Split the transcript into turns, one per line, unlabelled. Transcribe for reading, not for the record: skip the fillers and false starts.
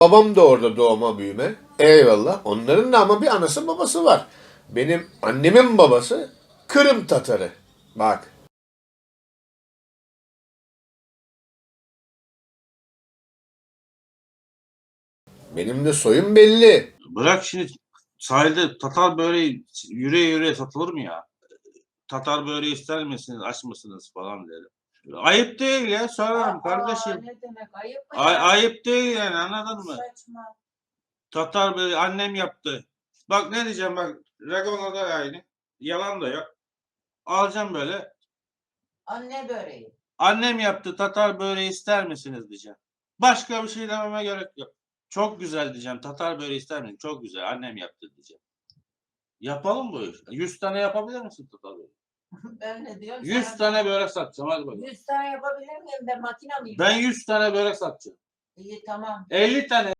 Babam da orada doğma büyüme. Eyvallah. Onların da ama bir anası babası var. Benim annemin babası Kırım Tatarı. Bak. Benim de soyum belli.
Bırak şimdi sahilde Tatar böreği yüreğe yüreğe satılır mı ya? Tatar böreği ister misiniz, aç mısınız falan derim. Ayıp değil ya, sorarım kardeşim.
Ne demek ayıp mı ya?
Ayıp değil yani, anladın mı?
Saçma.
Tatar böreği annem yaptı. Bak ne diyeceğim, bak Ragona'da aynı. Yalan da yok. Alacağım böyle.
Anne böreği.
Annem yaptı, Tatar böreği ister misiniz diyeceğim. Başka bir şey dememe gerek yok. Çok güzel diyeceğim. Tatar böreği ister misin? Çok güzel. Annem yaptı diyeceğim. Yapalım bu iş. 100 tane yapabilir misin Tatar böreği?
Ben ne diyorum?
100 tane börek satacağım, hadi bakalım.
100 tane yapabilir miyim? Ben makine miyim?
Ben 100 tane börek satacağım.
İyi tamam.
50 tane